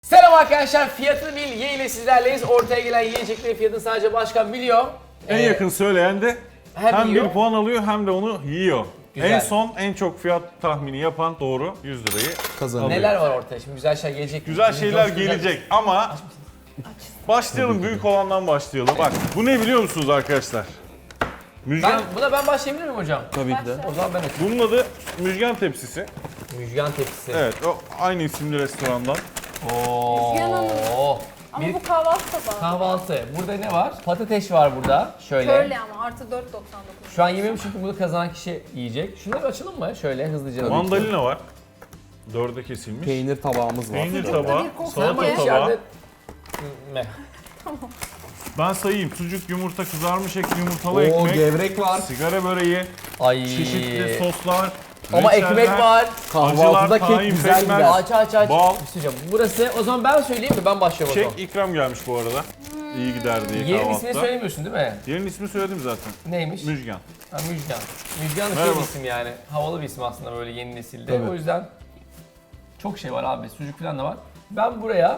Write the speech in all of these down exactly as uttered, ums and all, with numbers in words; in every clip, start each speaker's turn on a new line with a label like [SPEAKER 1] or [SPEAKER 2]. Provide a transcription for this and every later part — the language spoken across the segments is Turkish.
[SPEAKER 1] Selam arkadaşlar, fiyatını bil ye ile sizlerleyiz. Ortaya gelen yiyeceklerin fiyatını sadece başkan biliyor.
[SPEAKER 2] En
[SPEAKER 1] Ee,
[SPEAKER 2] yakın söyleyen de
[SPEAKER 1] hem
[SPEAKER 2] hem,
[SPEAKER 1] yiyor.
[SPEAKER 2] bir puan alıyor hem de onu yiyor.
[SPEAKER 1] Güzel.
[SPEAKER 2] En son en çok fiyat tahmini yapan doğru yüz lirayı
[SPEAKER 3] Kazanıyor.
[SPEAKER 2] alıyor.
[SPEAKER 1] Neler var ortaya? Şimdi güzel şeyler gelecek.
[SPEAKER 2] Güzel şeyler
[SPEAKER 1] Coşkun
[SPEAKER 2] gelecek ama başlayalım, büyük olandan başlayalım. Bak bu ne biliyor musunuz arkadaşlar? Müjgan,
[SPEAKER 1] Ben, buna ben başlayabilir miyim hocam?
[SPEAKER 3] Tabii ki de.
[SPEAKER 1] O zaman ben açayım.
[SPEAKER 2] bunun adı müjgan tepsisi.
[SPEAKER 1] Müjgan tepsisi.
[SPEAKER 2] Evet, o aynı isimli restorandan.
[SPEAKER 1] Oo.
[SPEAKER 4] Müjgan Hanım. Ama
[SPEAKER 1] Bir
[SPEAKER 4] bu kahvaltı tabağı.
[SPEAKER 1] kahvaltı. Burada ne var? Patates var burada. Şöyle.
[SPEAKER 4] Körle ama artı dört doksan dokuz.
[SPEAKER 1] Şu an yemiyorum çünkü bunu kazanan kişi yiyecek. Şunları bir açalım mı? Şöyle hızlıca.
[SPEAKER 2] Mandalina var. Dörde kesilmiş.
[SPEAKER 3] Peynir tabağımız var.
[SPEAKER 2] Peynir
[SPEAKER 4] Çocukta
[SPEAKER 2] tabağı,
[SPEAKER 4] bir koku
[SPEAKER 2] salata
[SPEAKER 4] var.
[SPEAKER 2] tabağı.
[SPEAKER 1] İçeride... Ne?
[SPEAKER 2] Ben sayayım. Sucuk, yumurta, kızarmış et, yumurtalı
[SPEAKER 3] Oo,
[SPEAKER 2] ekmek,
[SPEAKER 3] gevrek var.
[SPEAKER 2] sigara böreği,
[SPEAKER 1] Ay.
[SPEAKER 2] çeşitli soslar,
[SPEAKER 1] Ama
[SPEAKER 2] reçeller,
[SPEAKER 1] ekmek var.
[SPEAKER 3] Kahvaltıda
[SPEAKER 2] acılar,
[SPEAKER 3] kek
[SPEAKER 2] tahin,
[SPEAKER 3] güzel
[SPEAKER 2] pekmez.
[SPEAKER 3] gider.
[SPEAKER 1] Aç aç aç.
[SPEAKER 2] Bal.
[SPEAKER 1] Bir şey diyeceğim. Burası o zaman ben söyleyeyim mi? Ben başlıyorum o
[SPEAKER 2] Çek
[SPEAKER 1] zaman.
[SPEAKER 2] ikram gelmiş bu arada. İyi gider diye
[SPEAKER 1] Yerin
[SPEAKER 2] kahvaltıda.
[SPEAKER 1] ismini söylemiyorsun değil mi?
[SPEAKER 2] Yerin ismini söyledim zaten.
[SPEAKER 1] Neymiş?
[SPEAKER 2] Müjgan.
[SPEAKER 1] Ha, Müjgan. Müjgan da şey
[SPEAKER 2] Merhaba.
[SPEAKER 1] bir isim yani. Havalı bir isim aslında böyle yeni nesilde.
[SPEAKER 3] Tabii.
[SPEAKER 1] O yüzden çok şey var abi. Sucuk falan da var. Ben buraya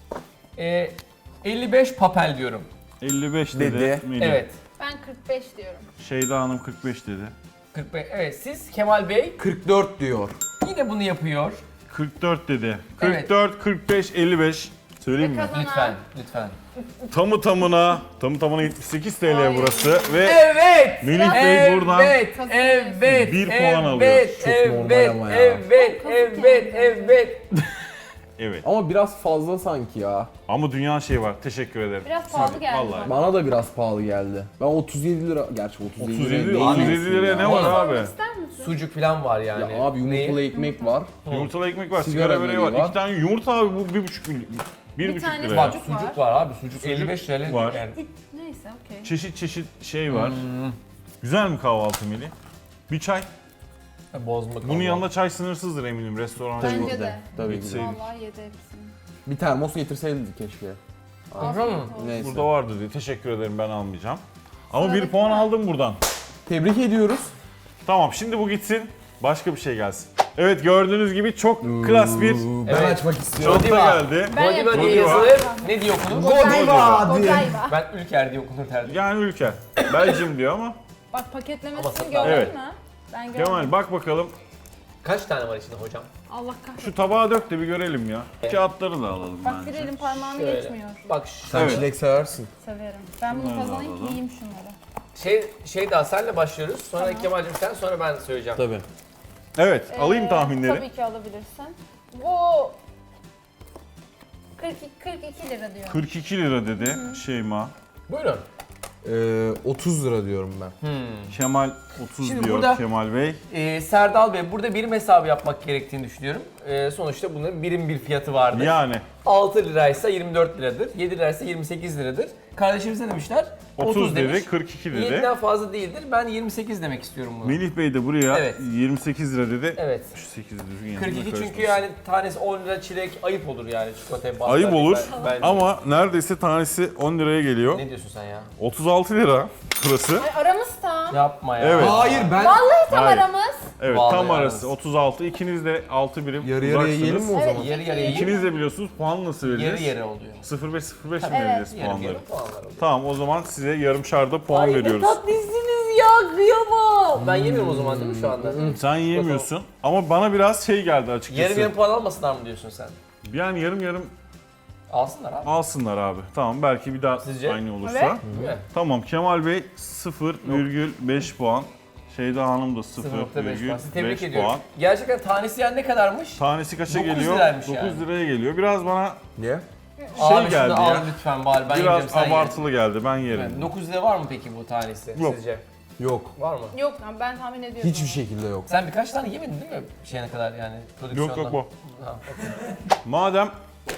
[SPEAKER 1] e, elli beş papel diyorum.
[SPEAKER 2] elli beş dedi.
[SPEAKER 3] Dedi.
[SPEAKER 2] Melih.
[SPEAKER 1] Evet.
[SPEAKER 4] Ben kırk beş diyorum.
[SPEAKER 2] Şeyda Hanım kırk beş dedi.
[SPEAKER 1] kırk beş. Evet siz Kemal Bey
[SPEAKER 3] kırk dört diyor.
[SPEAKER 1] yine bunu yapıyor.
[SPEAKER 2] kırk dört dedi.
[SPEAKER 1] Evet.
[SPEAKER 2] kırk dört, kırk beş, elli beş. Söyleyeyim mi?
[SPEAKER 4] Kazanan.
[SPEAKER 1] Lütfen, lütfen.
[SPEAKER 2] Tamı tamına, tamı tamına yetmiş sekiz T L
[SPEAKER 4] Ay.
[SPEAKER 2] burası ve
[SPEAKER 1] Evet.
[SPEAKER 2] Melih Bey buradan
[SPEAKER 1] Evet, evet,
[SPEAKER 2] Bir
[SPEAKER 1] evet,
[SPEAKER 2] puan alıyor.
[SPEAKER 1] evet,
[SPEAKER 3] Çok
[SPEAKER 1] evet,
[SPEAKER 3] normal ama ya.
[SPEAKER 1] evet,
[SPEAKER 4] Çok
[SPEAKER 1] evet,
[SPEAKER 4] kazık yani.
[SPEAKER 1] evet.
[SPEAKER 2] evet.
[SPEAKER 3] Ama biraz fazla sanki ya.
[SPEAKER 2] Ama dünya şey var. Teşekkür ederim.
[SPEAKER 4] Biraz pahalı geldi
[SPEAKER 2] Vallahi.
[SPEAKER 4] bana.
[SPEAKER 3] Bana da biraz pahalı geldi. Ben otuz yedi lira, gerçi otuz yedi,
[SPEAKER 2] otuz
[SPEAKER 3] lira
[SPEAKER 2] yedi,
[SPEAKER 3] değil
[SPEAKER 2] otuz
[SPEAKER 3] misin
[SPEAKER 2] yedi liraya
[SPEAKER 3] ya?
[SPEAKER 2] ne var abi?
[SPEAKER 4] Sormak ister misin?
[SPEAKER 1] Sucuk falan var yani.
[SPEAKER 3] Ya abi yumurtalı
[SPEAKER 1] Neyi?
[SPEAKER 3] ekmek var.
[SPEAKER 2] Yumurtalı ekmek var, sigara,
[SPEAKER 3] Sigara
[SPEAKER 2] böreği var.
[SPEAKER 3] böreği var.
[SPEAKER 2] İki tane yumurta abi bu bir buçuk milyon. Bir,
[SPEAKER 4] Bir
[SPEAKER 2] buçuk
[SPEAKER 4] tane
[SPEAKER 2] lira.
[SPEAKER 1] Bak
[SPEAKER 4] Sucuk
[SPEAKER 1] sucuk
[SPEAKER 4] var.
[SPEAKER 1] var abi. Sucuk elli beş T L
[SPEAKER 2] var.
[SPEAKER 1] yani.
[SPEAKER 4] Neyse okey.
[SPEAKER 2] Çeşit çeşit şey var.
[SPEAKER 1] Hmm.
[SPEAKER 2] Güzel mi kahvaltı Melih? Bir çay.
[SPEAKER 1] Bozma
[SPEAKER 2] Bunun
[SPEAKER 1] kalma.
[SPEAKER 2] yanında çay sınırsızdır eminim restoran.
[SPEAKER 3] Tabii
[SPEAKER 4] Bence
[SPEAKER 3] ki
[SPEAKER 4] de.
[SPEAKER 3] Tabii ki de.
[SPEAKER 2] Gitseydik.
[SPEAKER 4] Vallahi yedi hepsini.
[SPEAKER 3] Bir termos getirseydik keşke.
[SPEAKER 1] Afiyet
[SPEAKER 4] Afiyet
[SPEAKER 1] olsun.
[SPEAKER 4] olsun.
[SPEAKER 3] Neyse.
[SPEAKER 2] Burada vardı diye. Teşekkür ederim, ben almayacağım. Ama bir
[SPEAKER 4] Sıradaki
[SPEAKER 2] puan
[SPEAKER 4] var.
[SPEAKER 2] aldım buradan.
[SPEAKER 3] Tebrik ediyoruz.
[SPEAKER 2] Tamam, şimdi bu gitsin. Başka bir şey gelsin. Evet, gördüğünüz gibi çok klas bir
[SPEAKER 3] Ben
[SPEAKER 1] Evet.
[SPEAKER 3] açmak istiyorum.
[SPEAKER 2] çanta
[SPEAKER 1] Godiva.
[SPEAKER 2] geldi.
[SPEAKER 4] Ben
[SPEAKER 1] Godiva diye
[SPEAKER 2] Godiva.
[SPEAKER 1] yazılır. Ne diye okunur?
[SPEAKER 3] Godiva diye.
[SPEAKER 4] Godiva.
[SPEAKER 1] Ben Ülker diye okunur derdim.
[SPEAKER 2] Yani ülke. Belçim diyor ama.
[SPEAKER 4] Bak
[SPEAKER 1] Ama
[SPEAKER 4] paketlemesini
[SPEAKER 1] satın-
[SPEAKER 4] gördün
[SPEAKER 2] Evet.
[SPEAKER 4] mü? Ben gördüm.
[SPEAKER 2] Kemal bak bakalım.
[SPEAKER 1] Kaç tane var içinde hocam?
[SPEAKER 4] Allah kahretsin.
[SPEAKER 2] Şu tabağa dök de bir görelim ya. Kağıtları da alalım
[SPEAKER 4] Bak bir
[SPEAKER 2] bence.
[SPEAKER 4] elim parmağını
[SPEAKER 1] Şöyle.
[SPEAKER 4] geçmiyor.
[SPEAKER 1] Bak şu-
[SPEAKER 3] Sen
[SPEAKER 2] Evet.
[SPEAKER 3] çilek seversin.
[SPEAKER 4] Severim. Ben bunu
[SPEAKER 2] Bunları da
[SPEAKER 4] kazanayım ki
[SPEAKER 2] alalım.
[SPEAKER 4] yiyeyim şunları.
[SPEAKER 1] şey şey daha senle başlıyoruz. Sonra
[SPEAKER 4] Tamam.
[SPEAKER 1] Kemal'cim sen, sonra ben söyleyeceğim.
[SPEAKER 3] Tabii.
[SPEAKER 2] Evet, alayım
[SPEAKER 4] Ee,
[SPEAKER 2] tahminleri.
[SPEAKER 4] Tabii ki alabilirsin. Bu kırk iki, kırk iki lira diyor.
[SPEAKER 2] kırk iki lira dedi Şeyma.
[SPEAKER 1] Buyurun.
[SPEAKER 3] Ee, otuz lira diyorum ben.
[SPEAKER 2] Kemal otuz
[SPEAKER 1] Şimdi
[SPEAKER 2] diyor
[SPEAKER 1] burada-
[SPEAKER 2] Kemal Bey.
[SPEAKER 1] Ee, Serdal Bey, burada birim hesabı yapmak gerektiğini düşünüyorum. Ee, sonuçta bunların birim bir fiyatı vardır.
[SPEAKER 2] Yani
[SPEAKER 1] altı liraysa yirmi dört liradır. yedi liraysa yirmi sekiz liradır. Kardeşimiz ne demişler?
[SPEAKER 2] otuz dedi,
[SPEAKER 1] demiş.
[SPEAKER 2] kırk iki dedi.
[SPEAKER 1] yediden fazla değildir. Ben yirmi sekiz demek istiyorum bunu.
[SPEAKER 2] Melih Bey de buraya
[SPEAKER 1] Evet.
[SPEAKER 2] yirmi sekiz lira dedi.
[SPEAKER 1] Evet.
[SPEAKER 2] Şu sekiz düzgün
[SPEAKER 1] kırk
[SPEAKER 2] yanına
[SPEAKER 1] iki çünkü
[SPEAKER 2] karışmasın.
[SPEAKER 1] yani tanesi on lira çilek ayıp olur yani çikolataya basar.
[SPEAKER 2] Ayıp olur
[SPEAKER 1] Ben- ben-
[SPEAKER 2] ama neredeyse tanesi on liraya geliyor.
[SPEAKER 1] Ne diyorsun sen ya?
[SPEAKER 2] otuz altı lira burası.
[SPEAKER 4] Ay aramız tam.
[SPEAKER 1] Yapma ya.
[SPEAKER 2] Evet.
[SPEAKER 3] Hayır ben
[SPEAKER 4] Vallahi tam
[SPEAKER 2] Hayır.
[SPEAKER 4] aramız.
[SPEAKER 2] Evet,
[SPEAKER 1] Vallahi
[SPEAKER 2] tam
[SPEAKER 1] yalnız.
[SPEAKER 2] arası otuz altı. İkiniz de altı birim
[SPEAKER 3] yarı yarıya
[SPEAKER 2] uzaksınız.
[SPEAKER 3] yiyelim mi o
[SPEAKER 4] Evet.
[SPEAKER 3] zaman?
[SPEAKER 1] Yarı yarıya yiyelim.
[SPEAKER 2] İkiniz de biliyorsunuz puan nasıl vereceğiz?
[SPEAKER 1] Yarı yarı oluyor.
[SPEAKER 2] sıfır beş sıfır beş mi
[SPEAKER 4] Evet.
[SPEAKER 2] vereceğiz
[SPEAKER 1] Yarı
[SPEAKER 2] puanları?
[SPEAKER 1] yarı puanlar oluyor.
[SPEAKER 2] Tamam, o zaman size yarımşarda puan
[SPEAKER 1] Ay,
[SPEAKER 2] veriyoruz.
[SPEAKER 1] ne tatlısınız ya, kıyamam. Ben yemiyorum o zaman değil mi şu anda?
[SPEAKER 2] Sen yiyemiyorsun ama bana biraz şey geldi açıkçası.
[SPEAKER 1] Yarım yarım puan almasınlar mı diyorsun sen?
[SPEAKER 2] Yani yarım yarım
[SPEAKER 1] Alsınlar abi.
[SPEAKER 2] alsınlar abi. Tamam, belki bir daha
[SPEAKER 1] Sizce?
[SPEAKER 2] aynı olursa.
[SPEAKER 4] Evet.
[SPEAKER 1] Değil mi?
[SPEAKER 2] Tamam, Kemal Bey sıfır virgül beş puan. Şeyda Hanım da
[SPEAKER 1] sıfır
[SPEAKER 2] sıfır
[SPEAKER 1] nokta beş
[SPEAKER 2] virgül
[SPEAKER 1] puan. Sizi tebrik
[SPEAKER 2] beş
[SPEAKER 1] ediyorum.
[SPEAKER 2] puan.
[SPEAKER 1] Gerçekten tanesi yani ne kadarmış?
[SPEAKER 2] Tanesi kaça
[SPEAKER 1] dokuz
[SPEAKER 2] geliyor?
[SPEAKER 1] liraymış
[SPEAKER 2] dokuz
[SPEAKER 1] yani.
[SPEAKER 2] liraya geliyor. Biraz bana
[SPEAKER 3] Niye?
[SPEAKER 2] şey
[SPEAKER 1] Abi
[SPEAKER 2] geldi
[SPEAKER 1] şunu al
[SPEAKER 2] ya.
[SPEAKER 1] lütfen bari ben
[SPEAKER 2] Biraz
[SPEAKER 1] yiyeceğim sen ye.
[SPEAKER 2] abartılı geldi. Ben yerim.
[SPEAKER 1] Evet, dokuz lira var mı peki bu tanesi
[SPEAKER 2] Yok.
[SPEAKER 1] sizce?
[SPEAKER 3] Yok.
[SPEAKER 1] Var mı?
[SPEAKER 4] Yok lan ben tahmin ediyorum.
[SPEAKER 3] Hiçbir şekilde yok.
[SPEAKER 1] Sen birkaç tane yemedin değil mi şeyine kadar yani prodüksiyonda?
[SPEAKER 2] Yok yok bu.
[SPEAKER 1] Ha, okey.
[SPEAKER 2] Madem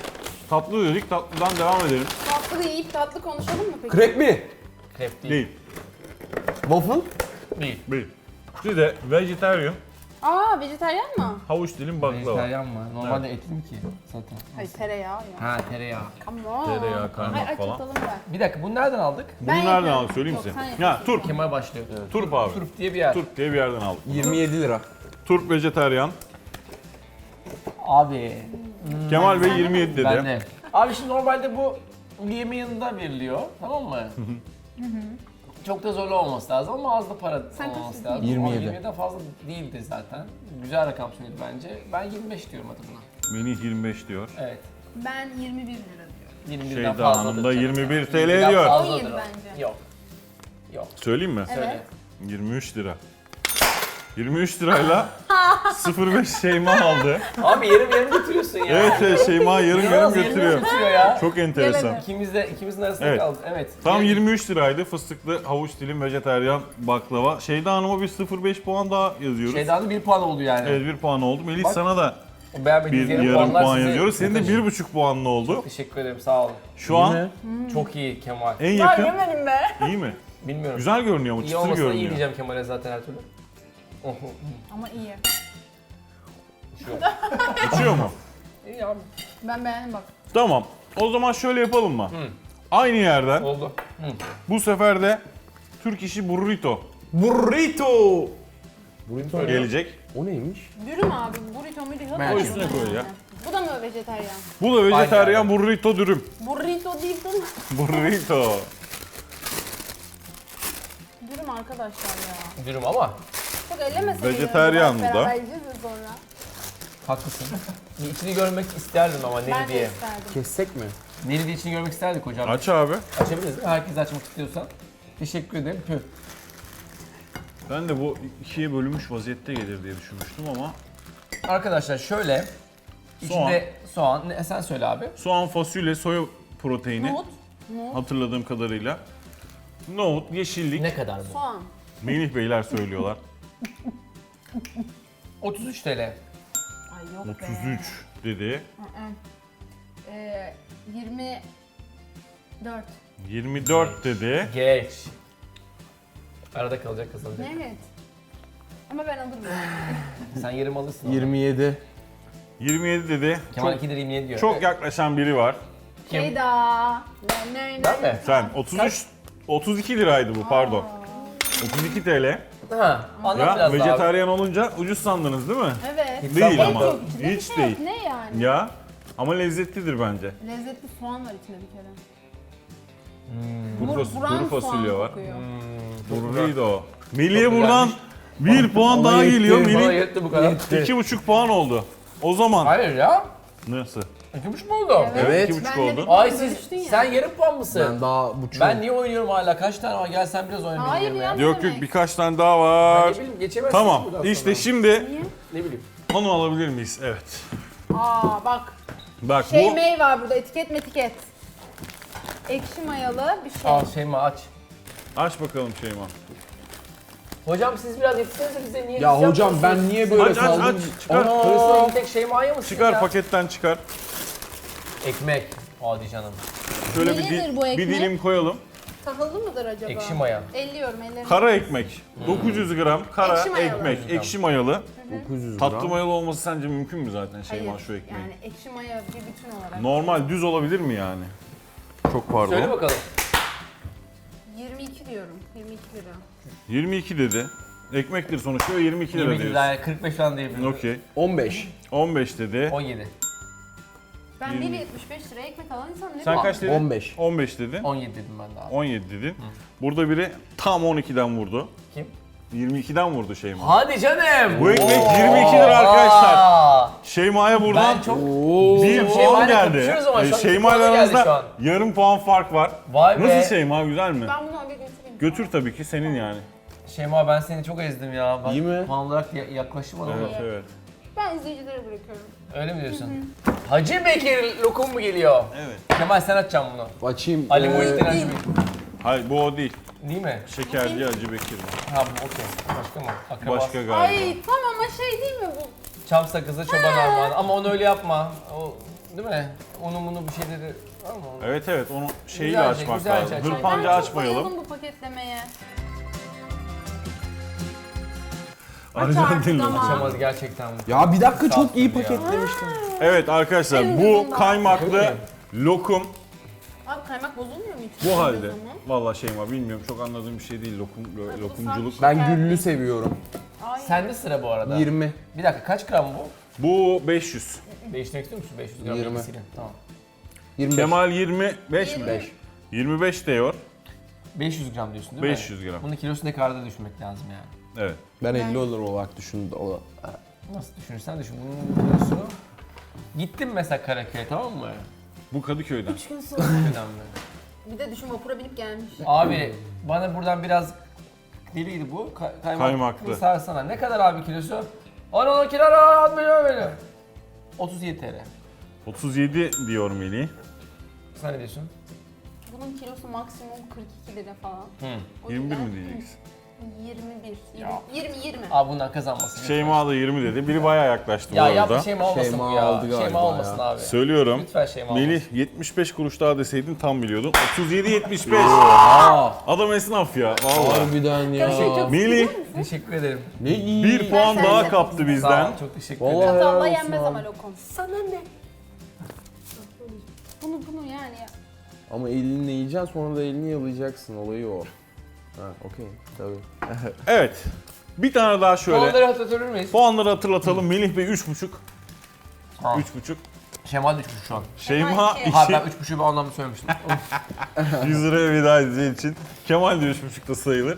[SPEAKER 2] tatlı dedik, tatlıdan devam edelim.
[SPEAKER 4] Tatlı yiyip tatlı konuşalım mı peki?
[SPEAKER 3] Krep mi?
[SPEAKER 1] Krep değil.
[SPEAKER 2] Değil.
[SPEAKER 3] Waffle?
[SPEAKER 1] Değil.
[SPEAKER 2] Değil. Bir de vegetarian
[SPEAKER 4] Aa vejetaryen mı?
[SPEAKER 2] havuç dilim baklava.
[SPEAKER 1] Vejetaryen mı? Normalde etli mi ki zaten?
[SPEAKER 4] Hayır tereyağı ya.
[SPEAKER 1] Ha tereyağı.
[SPEAKER 4] Come on.
[SPEAKER 2] Tereyağı, kaymak
[SPEAKER 4] Ay,
[SPEAKER 2] falan.
[SPEAKER 4] açalım ben.
[SPEAKER 1] Bir dakika bunu nereden aldık?
[SPEAKER 2] Bunu
[SPEAKER 4] Ben
[SPEAKER 2] nereden
[SPEAKER 4] yapıyorum.
[SPEAKER 2] aldık söyleyeyim
[SPEAKER 4] Yok,
[SPEAKER 2] size.
[SPEAKER 4] sen
[SPEAKER 2] Ya
[SPEAKER 4] yapıyorsun.
[SPEAKER 2] Turp.
[SPEAKER 1] Kemal başlıyor.
[SPEAKER 2] Turp abi.
[SPEAKER 1] Turp diye bir yer.
[SPEAKER 2] Turp diye bir yerden aldık.
[SPEAKER 3] yirmi yedi lira.
[SPEAKER 2] Turp vejetaryen.
[SPEAKER 1] Abi
[SPEAKER 2] Kemal Bey yirmi yedi dedi.
[SPEAKER 1] Ben de. Abi şimdi normalde bu yemeğin yanında veriliyor. Tamam mı? Çok da zorlu olması lazım ama az da para
[SPEAKER 4] Sen
[SPEAKER 1] olması
[SPEAKER 4] kaç
[SPEAKER 1] lazım.
[SPEAKER 3] yirmi yedi.
[SPEAKER 1] Ama yirmiden fazla değildi zaten. Güzel rakam söyledi bence. Ben yirmi beş diyorum hadi buna.
[SPEAKER 2] Melih yirmi beş diyor.
[SPEAKER 1] Evet.
[SPEAKER 4] Ben yirmi bir lira diyorum.
[SPEAKER 1] yirmi birden
[SPEAKER 2] Şeyda
[SPEAKER 1] fazladır
[SPEAKER 2] Hanım da
[SPEAKER 1] canım
[SPEAKER 2] yirmi bir
[SPEAKER 1] ya.
[SPEAKER 2] TL
[SPEAKER 1] yirmiden
[SPEAKER 2] diyor.
[SPEAKER 1] fazladır
[SPEAKER 4] on yedi
[SPEAKER 1] o.
[SPEAKER 4] bence.
[SPEAKER 1] Yok. Yok.
[SPEAKER 2] Söyleyeyim mi?
[SPEAKER 1] Söyle.
[SPEAKER 2] yirmi üç lira. yirmi üç lirayla sıfır beş Şeyma aldı.
[SPEAKER 1] Abi yarım yarım götürüyorsun ya.
[SPEAKER 2] Evet evet Şeyma yarım yarım
[SPEAKER 1] İnanılmaz, yarım
[SPEAKER 2] götürüyor.
[SPEAKER 1] götürüyor ya.
[SPEAKER 2] Çok enteresan.
[SPEAKER 4] Yemedim.
[SPEAKER 1] İkimiz de ikimizin arasında
[SPEAKER 2] Evet.
[SPEAKER 1] kaldı. Evet.
[SPEAKER 2] Tam yirmi üç liraydı fıstıklı havuç dilim vejetaryen baklava. Şeyda Hanım'a bir sıfır beş puan daha yazıyoruz.
[SPEAKER 1] Şeyden de bir puan oldu yani.
[SPEAKER 2] Evet bir puan oldu. Melih
[SPEAKER 1] Bak,
[SPEAKER 2] sana da
[SPEAKER 1] O beğenmediğiniz
[SPEAKER 2] bir
[SPEAKER 1] yarım,
[SPEAKER 2] yarım
[SPEAKER 1] puanlar
[SPEAKER 2] puan
[SPEAKER 1] size
[SPEAKER 2] yazıyoruz. Senin de
[SPEAKER 1] yakışır.
[SPEAKER 2] bir buçuk puanlı oldu.
[SPEAKER 1] Teşekkür ederim sağ olun.
[SPEAKER 2] Şu an
[SPEAKER 1] Çok iyi Kemal.
[SPEAKER 2] en yakın.
[SPEAKER 4] yemedim be.
[SPEAKER 2] İyi mi?
[SPEAKER 1] Bilmiyorum.
[SPEAKER 2] Güzel görünüyor mu?
[SPEAKER 1] İyi
[SPEAKER 2] Çıtır
[SPEAKER 1] olmasa da iyi
[SPEAKER 2] görünüyor.
[SPEAKER 1] diyeceğim Kemal'e zaten her türlü.
[SPEAKER 4] Ama iyi.
[SPEAKER 2] Uçuyor mu?
[SPEAKER 1] İyi abi.
[SPEAKER 4] Ben beğendim bak.
[SPEAKER 2] Tamam. O zaman şöyle yapalım mı? Aynı yerden
[SPEAKER 1] Oldu. Hı.
[SPEAKER 2] bu sefer de Türk işi burrito
[SPEAKER 3] Burrito. Burrito
[SPEAKER 2] gelecek.
[SPEAKER 3] O neymiş?
[SPEAKER 4] Dürüm abi. Burrito muydu?
[SPEAKER 1] Ben
[SPEAKER 2] O üstüne koy ya.
[SPEAKER 4] Bu da mı vejetaryen?
[SPEAKER 2] Bu da vejetaryen
[SPEAKER 1] Aynen.
[SPEAKER 2] burrito dürüm.
[SPEAKER 4] Burrito değil mi?
[SPEAKER 2] Burrito.
[SPEAKER 4] Dürüm arkadaşlar ya.
[SPEAKER 1] Dürüm ama
[SPEAKER 4] Çok ellemese
[SPEAKER 2] Vejetaryen bu da.
[SPEAKER 4] Beraber yiyeceğiz ya sonra.
[SPEAKER 1] haklısın. Bir içini görmek isterdim ama neli
[SPEAKER 4] Ben de
[SPEAKER 1] diye.
[SPEAKER 4] isterdim.
[SPEAKER 3] Kessek mi?
[SPEAKER 1] Neli diye içini görmek isterdik hocam.
[SPEAKER 2] Aç abi.
[SPEAKER 1] Açabiliriz değil mi? Herkes açmak istiyorsa. Teşekkür ederim. Püh.
[SPEAKER 2] Ben de bu ikiye bölünmüş vaziyette gelir diye düşünmüştüm ama
[SPEAKER 1] Arkadaşlar şöyle. İçinde soğan. Ne, sen söyle abi.
[SPEAKER 2] soğan, fasulye, soya proteini
[SPEAKER 4] Nohut. Nohut.
[SPEAKER 2] hatırladığım kadarıyla. Nohut, yeşillik.
[SPEAKER 1] Ne kadar bu?
[SPEAKER 4] Soğan.
[SPEAKER 2] Melih Beyler söylüyorlar.
[SPEAKER 1] otuz üç TL.
[SPEAKER 4] Ay yok be.
[SPEAKER 2] otuz üç dedi.
[SPEAKER 4] Ee, yirmi dört.
[SPEAKER 2] yirmi dört dedi.
[SPEAKER 1] Geç. Arada kalacak kazanacak.
[SPEAKER 4] Evet. Ama ben alırım.
[SPEAKER 1] Sen yarım alırsın. onu.
[SPEAKER 3] yirmi yedi.
[SPEAKER 2] yirmi yedi dedi.
[SPEAKER 1] Kemal
[SPEAKER 2] Çok,
[SPEAKER 1] iki lira yirmi yedi diyor.
[SPEAKER 2] çok yaklaşan biri var.
[SPEAKER 1] Kim?
[SPEAKER 4] Şeyda. Ne, ne,
[SPEAKER 1] Ben mi?
[SPEAKER 2] Sen otuz üç otuz iki liraydı bu pardon. otuz iki TL.
[SPEAKER 1] Ha, anlat
[SPEAKER 2] Ya
[SPEAKER 1] biraz daha abi.
[SPEAKER 2] vejetaryen olunca ucuz sandınız değil mi?
[SPEAKER 4] Evet.
[SPEAKER 2] Değil
[SPEAKER 1] sanmadım.
[SPEAKER 2] ama.
[SPEAKER 4] Yok, içinde bir
[SPEAKER 2] Hiç
[SPEAKER 4] şey
[SPEAKER 2] değil.
[SPEAKER 4] yok. Ne yani?
[SPEAKER 2] Ya ama lezzetlidir bence.
[SPEAKER 4] Lezzetli soğan var içinde bir kere.
[SPEAKER 2] Kuru,
[SPEAKER 4] Bur-
[SPEAKER 2] fas-
[SPEAKER 4] buran
[SPEAKER 2] kuru fasulye
[SPEAKER 4] soğan
[SPEAKER 2] var.
[SPEAKER 4] kokuyor.
[SPEAKER 2] Burrito. Melih'e
[SPEAKER 1] Çok
[SPEAKER 2] buradan bir puan
[SPEAKER 3] Bana
[SPEAKER 2] daha
[SPEAKER 3] yetti.
[SPEAKER 2] geliyor.
[SPEAKER 1] Bana
[SPEAKER 2] Melih
[SPEAKER 1] yetti bu kadar.
[SPEAKER 2] iki buçuk puan oldu. O zaman
[SPEAKER 1] Hayır ya.
[SPEAKER 2] nasıl?
[SPEAKER 1] İki buçuk mu oldu?
[SPEAKER 3] Evet.
[SPEAKER 2] iki buçuk
[SPEAKER 4] Ben de
[SPEAKER 2] oldu.
[SPEAKER 4] bir
[SPEAKER 1] Ay
[SPEAKER 4] puan
[SPEAKER 1] siz,
[SPEAKER 4] bölüştün ya.
[SPEAKER 1] sen yarım puan mısın?
[SPEAKER 3] Ben daha buçuk.
[SPEAKER 1] Ben niye oynuyorum hala? Kaç tane var? Gel sen biraz oyna.
[SPEAKER 4] Hayır
[SPEAKER 1] benim
[SPEAKER 4] ya.
[SPEAKER 1] yerime
[SPEAKER 2] Yok
[SPEAKER 4] demek?
[SPEAKER 2] yok birkaç tane daha var.
[SPEAKER 1] Ne bileyim geçemezsin
[SPEAKER 2] Tamam
[SPEAKER 1] buradan
[SPEAKER 2] işte
[SPEAKER 1] sonra.
[SPEAKER 2] şimdi
[SPEAKER 4] Niye?
[SPEAKER 1] Ne bileyim.
[SPEAKER 2] onu alabilir miyiz? Evet.
[SPEAKER 4] Aa bak.
[SPEAKER 2] Bak
[SPEAKER 4] Şey
[SPEAKER 2] bu
[SPEAKER 4] mey var burada. Etiket metiket. Ekşi mayalı bir şey.
[SPEAKER 1] Al Şeyma aç.
[SPEAKER 2] aç bakalım Şeyma.
[SPEAKER 1] Hocam siz biraz yetişsenize bize niye
[SPEAKER 3] Ya
[SPEAKER 1] biz
[SPEAKER 3] hocam ben
[SPEAKER 1] yapmıyorsunuz?
[SPEAKER 3] niye böyle
[SPEAKER 2] Aç, aç,
[SPEAKER 3] kaldım?
[SPEAKER 2] aç, çıkar.
[SPEAKER 3] Ana!
[SPEAKER 1] Hırsına bir tek Şeyma'ya mısın
[SPEAKER 2] Çıkar
[SPEAKER 1] ya?
[SPEAKER 2] paketten çıkar.
[SPEAKER 1] Ekmek. Hadi canım.
[SPEAKER 2] Şöyle bir,
[SPEAKER 4] Nelidir
[SPEAKER 2] di-
[SPEAKER 4] bu
[SPEAKER 2] bir
[SPEAKER 4] ekmek?
[SPEAKER 2] dilim koyalım.
[SPEAKER 4] Tahıllı mıdır acaba?
[SPEAKER 1] Ekşi maya.
[SPEAKER 4] Elliyorum ellerim.
[SPEAKER 2] Kara ekmek. dokuz yüz gram kara
[SPEAKER 4] Ekşi mayalı.
[SPEAKER 2] ekmek. Ekşi mayalı.
[SPEAKER 3] dokuz yüz gram.
[SPEAKER 2] Tatlı mayalı olması sence mümkün mü zaten Şeyma
[SPEAKER 4] Hayır.
[SPEAKER 2] şu ekmeğin?
[SPEAKER 4] Yani ekşi maya bir bütün olarak.
[SPEAKER 2] Normal düz olabilir mi yani? Çok pardon.
[SPEAKER 1] Söyle bakalım.
[SPEAKER 4] yirmi iki diyorum. yirmi iki lira.
[SPEAKER 2] yirmi iki dedi. Ekmektir sonuçta ve yirmi iki lira
[SPEAKER 1] yirmi
[SPEAKER 2] diyorsun.
[SPEAKER 1] lira, kırk beş falan diyebilirim.
[SPEAKER 2] Okey.
[SPEAKER 3] on beş.
[SPEAKER 2] on beş dedi.
[SPEAKER 1] on yedi.
[SPEAKER 4] Ben
[SPEAKER 2] Yirmi.
[SPEAKER 4] bir yetmiş beş liraya ekmek alan insan ne
[SPEAKER 2] Sen
[SPEAKER 4] bu?
[SPEAKER 2] kaç dedin?
[SPEAKER 3] on beş.
[SPEAKER 2] on beş dedin.
[SPEAKER 1] on yedi dedim ben daha.
[SPEAKER 2] on yedi dedin. Burada biri tam on ikiden vurdu.
[SPEAKER 1] Kim?
[SPEAKER 2] yirmi ikiden vurdu Şeyma.
[SPEAKER 1] Hadi canım.
[SPEAKER 2] Bu ekmek
[SPEAKER 1] Oo.
[SPEAKER 2] yirmi iki lira arkadaşlar.
[SPEAKER 1] Aa.
[SPEAKER 2] Şeyma'ya buradan
[SPEAKER 1] Ben çok...
[SPEAKER 3] Oo.
[SPEAKER 2] bir
[SPEAKER 1] Şeyma'yla
[SPEAKER 2] puan geldi.
[SPEAKER 1] kapışıyoruz ama şu an iki
[SPEAKER 2] Şeyma ile
[SPEAKER 1] puana geldi
[SPEAKER 2] aranızda
[SPEAKER 1] şu an.
[SPEAKER 2] yarım puan fark var.
[SPEAKER 1] Vay be.
[SPEAKER 2] Nasıl Şeyma, güzel mi?
[SPEAKER 4] Ben bunu oraya götüreyim.
[SPEAKER 2] Götür tabii ki senin yani.
[SPEAKER 1] Şeyma ben seni çok ezdim ya. Bak,
[SPEAKER 3] İyi mi?
[SPEAKER 1] puan olarak ya- yaklaşım
[SPEAKER 2] Evet
[SPEAKER 1] ama.
[SPEAKER 2] evet.
[SPEAKER 4] Ben izleyicilere bırakıyorum.
[SPEAKER 1] Öyle mi diyorsun? Hacı Bekir lokum mu geliyor?
[SPEAKER 2] Evet.
[SPEAKER 1] Kemal sen açacaksın bunu.
[SPEAKER 3] Açayım.
[SPEAKER 1] Ali
[SPEAKER 3] Ee,
[SPEAKER 1] Muhittin Hacı
[SPEAKER 4] değil.
[SPEAKER 1] Bekir.
[SPEAKER 2] Hayır bu o değil.
[SPEAKER 1] Değil mi?
[SPEAKER 2] Şekerci Hacı Bekir bu.
[SPEAKER 1] Ha bu okey. Başka mı? Akraba.
[SPEAKER 2] Başka galiba.
[SPEAKER 4] Ay tamam ama şey değil mi bu?
[SPEAKER 1] Çam sakızı çoban armağanı. Ama onu öyle yapma. O değil mi? Onu bunu bir şeyleri var mı? onun?
[SPEAKER 2] Evet evet onu şeyiyle
[SPEAKER 1] Güzelce,
[SPEAKER 2] açmak
[SPEAKER 1] güzelce
[SPEAKER 2] lazım.
[SPEAKER 1] aç.
[SPEAKER 4] Ay,
[SPEAKER 2] Hırpanca
[SPEAKER 4] ben çok
[SPEAKER 2] açmayalım.
[SPEAKER 4] bayıldım bu paketlemeye.
[SPEAKER 2] Arjantinli.
[SPEAKER 4] Tamam.
[SPEAKER 1] Açamaz gerçekten.
[SPEAKER 3] Ya bir dakika çok iyi
[SPEAKER 1] Sattım ya.
[SPEAKER 3] paketlemiştim.
[SPEAKER 2] Evet arkadaşlar
[SPEAKER 4] Benim
[SPEAKER 2] bu
[SPEAKER 4] gözümden.
[SPEAKER 2] kaymaklı lokum
[SPEAKER 4] Abi kaymak bozulmuyor mu hiç?
[SPEAKER 2] bu halde.
[SPEAKER 4] Zaman?
[SPEAKER 2] Vallahi Şeyma bilmiyorum çok anladığım bir şey değil lokum lo-
[SPEAKER 4] bu
[SPEAKER 2] lokumculuk.
[SPEAKER 4] sanki-
[SPEAKER 3] Ben güllü seviyorum.
[SPEAKER 4] Ay.
[SPEAKER 1] Sende sıra bu arada.
[SPEAKER 3] yirmi.
[SPEAKER 1] Bir dakika kaç gram bu?
[SPEAKER 2] Bu beş yüz.
[SPEAKER 1] Değiştirmek istiyor musun? beş yüz gram
[SPEAKER 3] yirmi.
[SPEAKER 1] yedisiyle. Tamam.
[SPEAKER 3] yirmi beş.
[SPEAKER 2] Kemal yirmi beş mi?
[SPEAKER 3] beş.
[SPEAKER 2] yirmi beş diyor.
[SPEAKER 1] beş yüz gram diyorsun değil mi?
[SPEAKER 2] beş yüz gram.
[SPEAKER 1] Bunun kilosu ne kadar da düşünmek lazım yani.
[SPEAKER 2] Evet.
[SPEAKER 3] Ben elli olur olarak düşündüm. O-
[SPEAKER 1] Nasıl düşünürsen düşün. Bunun kilosu... Gittim mesela Karaköy'e, tamam mı?
[SPEAKER 2] Bu Kadıköy'den.
[SPEAKER 4] Üç gün sonra.
[SPEAKER 1] Önemli.
[SPEAKER 4] Bir de düşün vapura binip gelmiş.
[SPEAKER 1] Abi bana buradan biraz deliydi bu. Ka- kaymak
[SPEAKER 2] Kaymaklı.
[SPEAKER 1] sarsana. Ne kadar abi kilosu? Ana ona kilo almıyor beni. otuz yedi TL.
[SPEAKER 2] otuz yedi diyor Melih.
[SPEAKER 1] Sen ne diyorsun?
[SPEAKER 4] Bunun kilosu maksimum kırk iki lira falan.
[SPEAKER 1] Hı.
[SPEAKER 4] O
[SPEAKER 2] yirmi bir
[SPEAKER 4] yüzden
[SPEAKER 2] mi diyeceksin?
[SPEAKER 4] yirmi bir.
[SPEAKER 1] Ya.
[SPEAKER 4] yirmi yirmi.
[SPEAKER 1] Abi bundan kazanmasın.
[SPEAKER 2] Şeyma da yirmi dedi. Biri bayağı yaklaştı
[SPEAKER 1] Ya
[SPEAKER 2] bu
[SPEAKER 1] yapma
[SPEAKER 2] arada.
[SPEAKER 1] Şeyma olmasın
[SPEAKER 3] Şeyma
[SPEAKER 1] bu ya.
[SPEAKER 3] aldı galiba
[SPEAKER 1] Şeyma olmasın
[SPEAKER 3] ya.
[SPEAKER 1] abi.
[SPEAKER 2] Söylüyorum.
[SPEAKER 1] Lütfen Şeyma
[SPEAKER 2] Melih
[SPEAKER 1] olmasın.
[SPEAKER 2] yetmiş beş kuruş daha deseydin tam biliyordun. otuz yedi yetmiş beş.
[SPEAKER 3] Aa,
[SPEAKER 2] Adam esnaf ya. Vallahi.
[SPEAKER 3] harbiden ya.
[SPEAKER 4] Şey çok
[SPEAKER 2] Melih
[SPEAKER 1] Teşekkür ederim.
[SPEAKER 3] Ne iyi.
[SPEAKER 2] bir puan
[SPEAKER 4] sen
[SPEAKER 2] daha
[SPEAKER 4] de.
[SPEAKER 2] kaptı
[SPEAKER 1] Sağ
[SPEAKER 2] bizden.
[SPEAKER 1] ol. Çok teşekkür
[SPEAKER 3] Vallahi
[SPEAKER 1] ederim.
[SPEAKER 3] helal
[SPEAKER 4] Çatalla
[SPEAKER 3] olsun
[SPEAKER 4] yenmez
[SPEAKER 3] abi.
[SPEAKER 4] ama lokum. Sana ne? Bunu bunu yani ya.
[SPEAKER 3] Ama elinle yiyeceksin sonra da elini yalayacaksın. Olayı o. Ha, okey. Tabii.
[SPEAKER 2] Evet. Bir tane daha şöyle.
[SPEAKER 1] Puanları hatırlatır mıyız?
[SPEAKER 2] Puanları hatırlatalım. Melih Bey üç buçuk.
[SPEAKER 1] Tamam.
[SPEAKER 2] üç buçuk.
[SPEAKER 1] Şeyma da üç buçuk şu an.
[SPEAKER 2] Şeyma
[SPEAKER 4] iki.
[SPEAKER 1] Ha ben
[SPEAKER 2] iki.
[SPEAKER 1] üç buçuğu bir anlamda söylemiştim.
[SPEAKER 2] yüz liraya veda edeceği için. Kemal de üç buçuk da sayılır.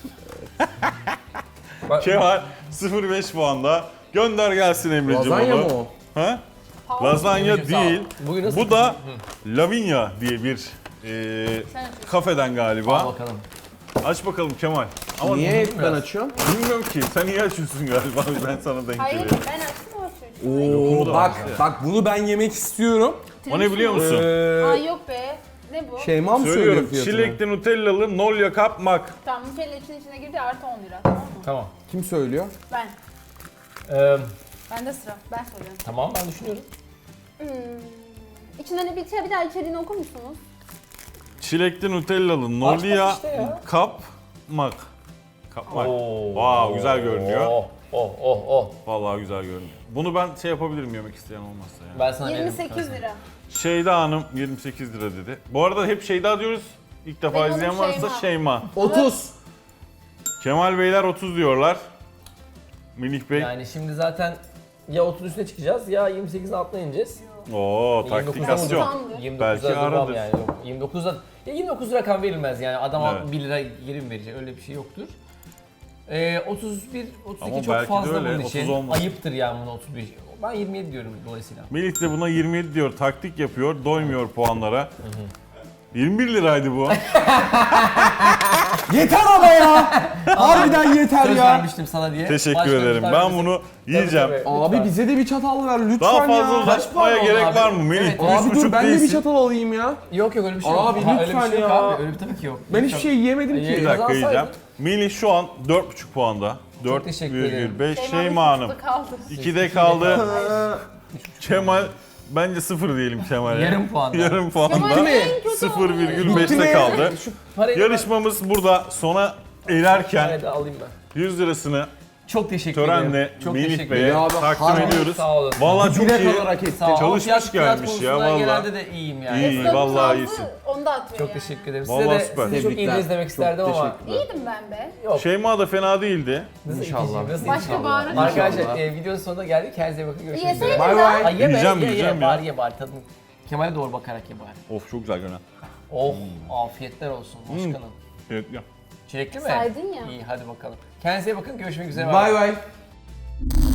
[SPEAKER 1] Ben-
[SPEAKER 2] Kemal sıfır virgül beş puanda. Gönder gelsin Emre'cim
[SPEAKER 3] Lazanya
[SPEAKER 2] onu.
[SPEAKER 3] mı o?
[SPEAKER 2] Ha?
[SPEAKER 4] Pahalı.
[SPEAKER 2] Lazanya
[SPEAKER 1] Emre'cim, sağ ol.
[SPEAKER 2] değil.
[SPEAKER 1] Bugün nasıl?
[SPEAKER 2] Bu da Lavinia diye bir e,
[SPEAKER 4] Sen açıyorsun.
[SPEAKER 2] kafeden
[SPEAKER 1] Al
[SPEAKER 2] galiba.
[SPEAKER 1] bakalım.
[SPEAKER 2] Aç bakalım Kemal. Ama
[SPEAKER 3] Niye hep ben
[SPEAKER 1] biraz.
[SPEAKER 3] açıyorum?
[SPEAKER 2] bilmiyorum ki. Sen iyi açıyorsun galiba. Ben sana denk
[SPEAKER 4] Hayır
[SPEAKER 2] geliyorum.
[SPEAKER 4] ben açtım o çocuğu.
[SPEAKER 2] Lokumu da
[SPEAKER 3] Oo, bak
[SPEAKER 2] var ya.
[SPEAKER 3] bak bunu ben yemek istiyorum.
[SPEAKER 2] O ne biliyor musun?
[SPEAKER 4] Aa
[SPEAKER 3] Ee,
[SPEAKER 4] yok be. Ne bu?
[SPEAKER 3] Şeyma mı söylüyor
[SPEAKER 2] Söylüyorum.
[SPEAKER 3] fiyatını?
[SPEAKER 2] Çilekli Nutellalı Nolya kapmak.
[SPEAKER 4] Tamam Nutella için içine girdi artı on lira tamam mı?
[SPEAKER 1] Tamam.
[SPEAKER 3] Kim söylüyor?
[SPEAKER 4] Ben.
[SPEAKER 1] Ee,
[SPEAKER 4] Bende sıra. Ben söylüyorum.
[SPEAKER 1] tamam ben düşünüyorum.
[SPEAKER 4] Hmm. İçinden ne bir, bir daha içeriğini okur musunuz?
[SPEAKER 2] Çilekli Nutellalı Nolya
[SPEAKER 1] işte ya.
[SPEAKER 2] kapmak. Kapmak.
[SPEAKER 1] Oo.
[SPEAKER 2] Wow, güzel görünüyor.
[SPEAKER 1] Oh oh oh oh.
[SPEAKER 2] Vallahi güzel görünüyor. Bunu ben şey yapabilirim yemek isteyen olmazsa ya.
[SPEAKER 1] Ben sana
[SPEAKER 4] yirmi
[SPEAKER 1] veririm.
[SPEAKER 4] sekiz lira.
[SPEAKER 2] Şeyda Hanım yirmi sekiz lira dedi. Bu arada hep Şeyda diyoruz. İlk defa
[SPEAKER 4] Benim adım
[SPEAKER 2] izleyen varsa
[SPEAKER 4] Şeyma.
[SPEAKER 2] Şeyma.
[SPEAKER 3] otuz.
[SPEAKER 2] Kemal Beyler otuz diyorlar. Melih Bey.
[SPEAKER 1] Yani şimdi zaten ya otuz üstüne çıkacağız ya yirmi sekizin altına ineceğiz.
[SPEAKER 2] Oo,
[SPEAKER 1] yirmi dokuzdan
[SPEAKER 2] taktikasyon.
[SPEAKER 1] vuracağım.
[SPEAKER 4] Tamdır.
[SPEAKER 1] yirmi
[SPEAKER 2] Belki
[SPEAKER 1] dokuzda durmam
[SPEAKER 2] aradır.
[SPEAKER 1] yani. Yok, yirmi dokuzda ya yirmi dokuz rakam verilmez yani adama
[SPEAKER 2] Evet.
[SPEAKER 1] bir lira geri mi verecek öyle bir şey yoktur. Ee, otuz bir, otuz iki
[SPEAKER 2] Ama
[SPEAKER 1] çok
[SPEAKER 2] belki de
[SPEAKER 1] fazla
[SPEAKER 2] öyle,
[SPEAKER 1] bunun
[SPEAKER 2] otuz
[SPEAKER 1] için.
[SPEAKER 2] olmaz.
[SPEAKER 1] Ayıptır yani buna otuz bir. Ben yirmi yedi diyorum dolayısıyla.
[SPEAKER 2] Melih de buna yirmi yedi diyor. Taktik yapıyor. Doymuyor puanlara. yirmi bir liraydı bu.
[SPEAKER 3] Yeter ama ya. Harbiden yeter
[SPEAKER 1] Söz
[SPEAKER 3] ya.
[SPEAKER 1] vermiştim sana diye.
[SPEAKER 2] Teşekkür
[SPEAKER 1] Başka
[SPEAKER 2] ederim.
[SPEAKER 1] bir
[SPEAKER 2] Ben
[SPEAKER 1] tanesi-
[SPEAKER 2] bunu
[SPEAKER 1] Tabii,
[SPEAKER 2] yiyeceğim.
[SPEAKER 1] tabii,
[SPEAKER 3] Abi
[SPEAKER 1] lütfen.
[SPEAKER 3] bize de bir çatal ver lütfen
[SPEAKER 2] Daha fazla
[SPEAKER 3] ya.
[SPEAKER 2] uzatmaya
[SPEAKER 1] puan
[SPEAKER 2] gerek
[SPEAKER 1] oldu
[SPEAKER 2] var
[SPEAKER 1] abi?
[SPEAKER 2] mı Melih?
[SPEAKER 1] Evet.
[SPEAKER 2] üç
[SPEAKER 3] Abi dur
[SPEAKER 2] buçuk
[SPEAKER 3] ben de bir
[SPEAKER 2] değilsin.
[SPEAKER 3] çatal alayım ya.
[SPEAKER 1] Yok yok öyle bir şey yok.
[SPEAKER 3] Abi
[SPEAKER 1] Ha, öyle bir
[SPEAKER 3] lütfen
[SPEAKER 1] şey yok
[SPEAKER 3] ya.
[SPEAKER 1] abi. Öyle bir tabii ki yok.
[SPEAKER 3] Ben hiçbir şey yiyemedim
[SPEAKER 1] Ee,
[SPEAKER 3] ki.
[SPEAKER 2] Bir dakika
[SPEAKER 1] Kazansaydın.
[SPEAKER 2] yiyeceğim. Melih şu an dört buçuk puanda. dört
[SPEAKER 1] teşekkür
[SPEAKER 2] virgül beş.
[SPEAKER 4] Şeyma
[SPEAKER 2] Şeyma Hanım
[SPEAKER 4] üç buçukta kaldı.
[SPEAKER 2] ikide kaldı. Kemal bence sıfır diyelim Kemal'e.
[SPEAKER 1] Yarım puanda.
[SPEAKER 2] Yarım puanda.
[SPEAKER 4] Kemal en kötü
[SPEAKER 2] sıfır virgül
[SPEAKER 3] Bitti
[SPEAKER 2] beşte
[SPEAKER 3] mi?
[SPEAKER 2] kaldı.
[SPEAKER 1] Parayı da
[SPEAKER 2] Yarışmamız burada sona ererken
[SPEAKER 1] Parayı da alayım ben.
[SPEAKER 2] yüz lirasını
[SPEAKER 1] Çok teşekkür
[SPEAKER 2] törenle
[SPEAKER 1] ederim. Çok
[SPEAKER 2] Melih
[SPEAKER 1] teşekkür
[SPEAKER 2] Bey'e
[SPEAKER 1] ederim.
[SPEAKER 3] Ya abi,
[SPEAKER 2] takdim
[SPEAKER 3] harbi
[SPEAKER 2] ediyoruz.
[SPEAKER 1] Sağ olun.
[SPEAKER 2] Vallahi çok
[SPEAKER 3] Direkt
[SPEAKER 2] iyi.
[SPEAKER 3] olarak etti.
[SPEAKER 1] Sağ ol.
[SPEAKER 2] Çalışmış
[SPEAKER 1] Fiyat- fiyat
[SPEAKER 2] gelmiş ya,
[SPEAKER 1] konusunda
[SPEAKER 2] vallahi.
[SPEAKER 1] Genelde de iyiyim yani.
[SPEAKER 2] İyi.
[SPEAKER 4] Esnafın
[SPEAKER 2] vallahi
[SPEAKER 4] ağzı
[SPEAKER 2] iyisin.
[SPEAKER 4] Onu da atıyor
[SPEAKER 1] Çok
[SPEAKER 4] yani.
[SPEAKER 1] teşekkür ederim. Size
[SPEAKER 2] Vallahi
[SPEAKER 1] de
[SPEAKER 2] süper.
[SPEAKER 1] sizi çok iyi
[SPEAKER 3] Tebrikler.
[SPEAKER 1] izlemek
[SPEAKER 3] Çok
[SPEAKER 1] isterdim ama.
[SPEAKER 3] teşekkürler.
[SPEAKER 4] İyiydim ben be.
[SPEAKER 1] Yok.
[SPEAKER 2] Şeyma da fena değildi.
[SPEAKER 1] Nasıl
[SPEAKER 3] İnşallah.
[SPEAKER 1] ikiciyim, nasıl
[SPEAKER 4] Başka
[SPEAKER 1] ikiciyim?
[SPEAKER 4] bağırın.
[SPEAKER 1] Arkadaşlar
[SPEAKER 3] İnşallah.
[SPEAKER 1] e, videonun sonuna geldik. Kendinize iyi bakın. Görüşmek
[SPEAKER 4] Yeseydin
[SPEAKER 1] üzere.
[SPEAKER 3] Bay
[SPEAKER 4] daha.
[SPEAKER 3] bay.
[SPEAKER 1] Ay yeme,
[SPEAKER 2] Yiyeceğim,
[SPEAKER 1] ye, ye,
[SPEAKER 2] yiyeceğim ya.
[SPEAKER 1] Bari ye bari tadını. Kemal'e doğru bakarak ye bari.
[SPEAKER 2] Of çok güzel görünen.
[SPEAKER 1] Oh afiyetler olsun başkanım.
[SPEAKER 2] Evet ya.
[SPEAKER 1] Çilekli mi?
[SPEAKER 4] Saydın ya.
[SPEAKER 1] İyi hadi bakalım. Kendinize iyi bakın. Görüşmek üzere.
[SPEAKER 3] Bay bay.